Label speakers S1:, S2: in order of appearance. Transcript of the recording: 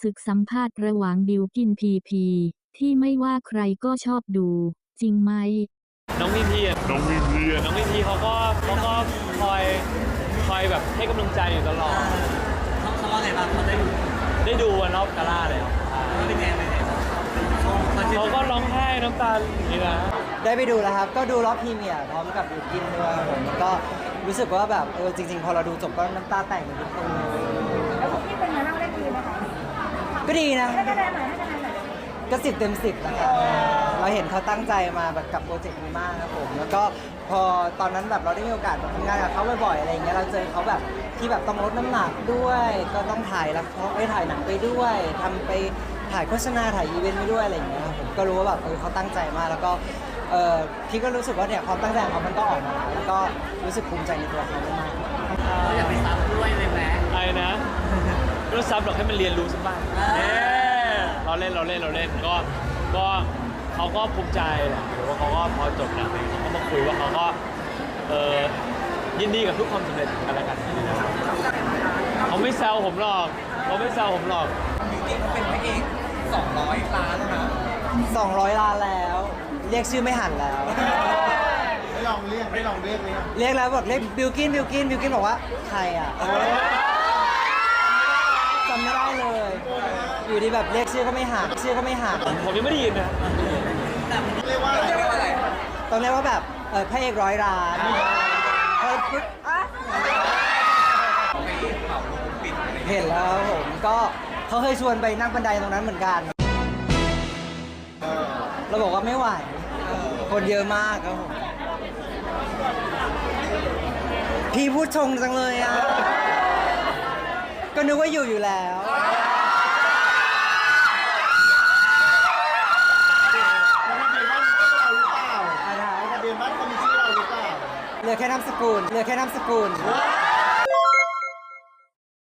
S1: ศึกสัมภาษณ์ระหว่างบิวกินพีพีที่ไม่ว่าใครก็ชอบดูจริงไหม
S2: น้องพีพีเขาก็คอยแบบให้กำลังใจอยู่ตลอด
S3: เขาว่าไงบ้างเขา
S2: ได้ดูวันรอบกาล่าเลย
S3: เขาเป็นไง
S2: เขาก็ร้องไห้น้ำตาอย่างนี้นะ
S4: ได้ไปดูแล้วครับก็ดูรอบพรีเมียร์พร้อมกับบิวกินด้วยครับผมแล้วก็รู้สึกว่าแบบจริงๆพอเราดูจบก็น้ำตาแตกเหมือนทุกคนเลย
S5: แล้วพี่เป็นไงบ้างได้ดีไหมคะ
S4: ก็ดีนะ
S5: ให้คะแนนหน่อย
S4: ก็10 เต็ม 10นะครับเราเห็นเขาตั้งใจมาแบบกับโปรเจกต์นี้มากครับผมแล้วก็พอตอนนั้นแบบเราได้มีโอกาสทำงานกับเขาบ่อยๆอะไรอย่างเงี้ยเราเจอเขาแบบที่แบบต้องลดน้ำหนักด้วยก็ต้องถ่ายละครไปถ่ายหนังไปด้วยทำไปถ่ายโฆษณาถ่ายอีเวนต์ไปด้วยอะไรอย่างเงี้ยผมก็รู้ว่าแบบเขาตั้งใจมากแล้วก็พี่ก็รู้สึกว่าเนี่ยความตั้งใจของเขามันก็ออกมาแล้วก็รู้สึกภูมิใจในตัวเขามาก
S3: เราอยากไปซับด้วยเลยไหม
S2: ไอ้นะไม่ต้องซับหรอกให้มันเรียนรู้สักบ้างเราเล่นก็เขาก็ภูมิใจแหละหรือว่าเขาก็พอจบหนังเขาก็มาคุยว่าเขาก็ยินดีกับทุกความสำเร็จกันแล้วกันเขาไม่แซวผมหรอก
S3: บิวกิ้นเขาเป็นพระเอก200 ล้านแล้วนะ
S4: 200 ล้านแล้วเรียกชื่อไม่หันแล้ว
S6: ไม่ลองเรียกเลย
S4: เรียกแล้วบอกเรียกบิวกินบอกว่าใครอ่ะจำไม่ได้เลยอยู่ดีแบบเรียกชื่อก็ไม่หัน
S2: ผมยังไม่ได้ยินนะ
S6: เรียกว่าอะไร
S4: ต้องเรียกว่าแบบพระเอก100 ล้านเห็นแล้วผมก็เขาเคยชวนไปนั่งบันไดตรงนั้นเหมือนกันเราบอกว่าไม่ไหวคนเยอะมากครับผมพี่พูดชงจังเลยอ่ะก็นึกว่าอยู่แล้ว
S6: ทะเบียนบ้านก็มีชื่อเราหรือเปล่า
S4: เหลือแค่นามสกุล